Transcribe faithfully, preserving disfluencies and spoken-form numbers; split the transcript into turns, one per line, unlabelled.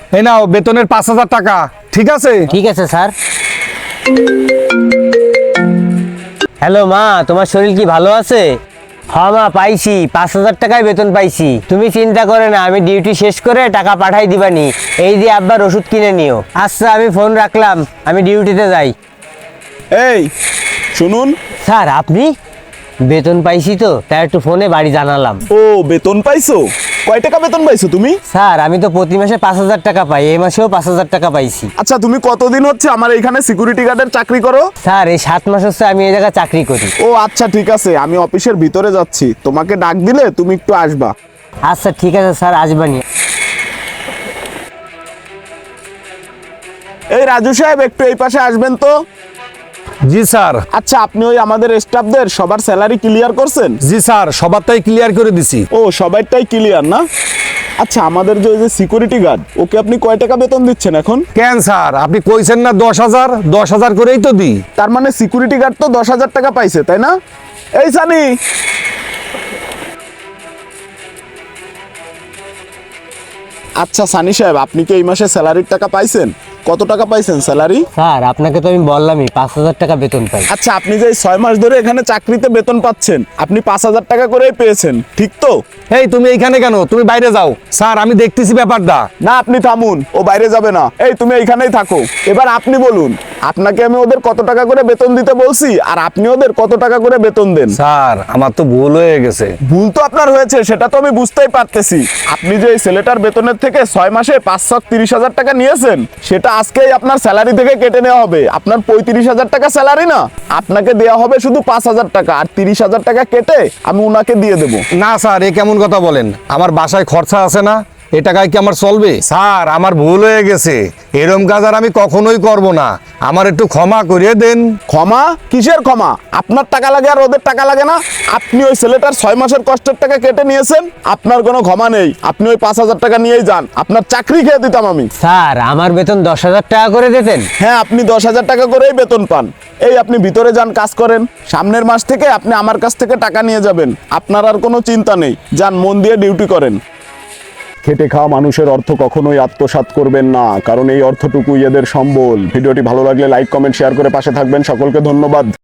এই নাও বেতনের পাঁচ হাজার টাকা, ঠিক আছে?
ঠিক আছে স্যার। হ্যালো মা, তোমার শরীর কি ভালো আছে? হ্যাঁ মা, পাইছি, পাঁচ হাজার টাকায় বেতন পাইছি। তুমি চিন্তা করে না, আমি ডিউটি শেষ করে টাকা পাঠাই দিবানি। এই যে আব্বার ওষুধ কিনে নিও। আচ্ছা, আমি ফোন রাখলাম, আমি ডিউটিতে যাই।
এই শুনুন।
স্যার আপনি? বেতন পাইছি তো, তাই একটু ফোনে বাড়ি জানালাম।
ও বেতন পাইছো? কয় টাকা বেতন পাইছো তুমি?
স্যার আমি তো প্রতি মাসে পাঁচ হাজার টাকা পাই, এই মাসেও পাঁচ হাজার টাকা পাইছি।
আচ্ছা, তুমি কতদিন হচ্ছে আমার এখানে সিকিউরিটি গার্ডের চাকরি করো?
স্যার এই সাত মাস হচ্ছে আমি এই জায়গায় চাকরি করি।
ও আচ্ছা, ঠিক আছে, আমি অফিসের ভিতরে যাচ্ছি, তোমাকে ডাক দিলে তুমি একটু আসবা।
আচ্ছা ঠিক আছে স্যার, আসবানি।
এই রাজু সাহেব, একটু এই পাশে আসবেন তো।
জি স্যার।
আচ্ছা, আপনি ওই আমাদের স্টাফদের সবার স্যালারি ক্লিয়ার করছেন?
জি স্যার, সবারটাই ক্লিয়ার করে দিছি।
ও সবাইটাই ক্লিয়ার না? আচ্ছা, আমাদের যে ওই যে সিকিউরিটি গার্ড, ওকে আপনি কয় টাকা বেতন দিচ্ছেন এখন?
কেন স্যার, আপনি কইছেন না দশ হাজার? দশ হাজার করেই তো দিই।
তার মানে সিকিউরিটি গার্ড তো দশ হাজার টাকা পাইছে, তাই না? এই সানি, আচ্ছা সানি সাহেব, আপনি কি এই মাসে স্যালারির টাকা পাইছেন? কত টাকা পাইছেন স্যালারি?
স্যার আপনাকে তো আমি বললামই পাঁচ হাজার টাকা বেতন পাই।
আচ্ছা, আপনি যে এই ছয় মাস ধরে এখানে চাকরিতে বেতন পাচ্ছেন, আপনি পাঁচ হাজার টাকা করেই পেয়েছেন, ঠিক তো?
এই তুমি এইখানে কেন? তুমি বাইরে যাও। স্যার আমি দেখতেছি ব্যাপারটা।
না, আপনি থামুন, ও বাইরে যাবে না। এই তুমি এইখানেই থাকো। এবার আপনি বলুন, আপনাকে আমি ওদের কত টাকা করে বেতন দিতে বলছি, আর আপনি ওদের কত টাকা করে বেতন দেন?
স্যার আমার তো ভুল হয়ে গেছে।
ভুল তো আপনার হয়েছে, সেটা তো আমি বুঝতেই পারতেছি। আপনি যে এই ছেলেটার বেতনের থেকে ছয় মাসে পাঁচ লাখ তিরিশ হাজার টাকা নিয়েছেন, সেটা আজকেই আপনার স্যালারি থেকে কেটে নেওয়া হবে। আপনার পঁয়ত্রিশ হাজার টাকা স্যালারি না, আপনাকে দেওয়া হবে শুধু পাঁচ হাজার টাকা, আর তিরিশ হাজার টাকা কেটে আমি ওনাকে দিয়ে দেবো।
না স্যার, এ কেমন কথা বলেন? আমার বাসায় খরচা আছে না, এ টাকায় কি আমার চলবে? স্যার আমার ভুল হয়ে গেছে, এরম কাজ আর আমি কখনোই করব না। আমার একটু ক্ষমা করিয়ে দেন।
ক্ষমা? কিসের ক্ষমা? আপনার টাকা লাগে আর ওদের টাকা লাগে না? আপনি ওই ছেলেটার ছয় মাসের কষ্টের টাকা কেটে নিয়েছেন, আপনার কোনো ক্ষমা নেই। আপনি ওই পাঁচ হাজার টাকা নিয়েই যান, আপনার চাকরি খেয়ে দিতাম আমি।
স্যার আমার বেতন দশ হাজার টাকা করে দিতেন।
হ্যাঁ, আপনি দশ হাজার টাকা করেই বেতন পান। এই আপনি ভিতরে যান, কাজ করেন। সামনের মাস থেকে আপনি আমার কাছ থেকে টাকা নিয়ে যাবেন, আপনার আর কোনো চিন্তা নেই। যান, মন দিয়ে ডিউটি করেন। খেটে খাওয়া মানুষের অর্থ কখনোই আত্মসাৎ করবেন না, কারণ এই অর্থটুকুই এদের সম্বল। ভিডিওটি ভালো লাগলে লাইক, কমেন্ট, শেয়ার করে পাশে থাকবেন। সকলকে ধন্যবাদ।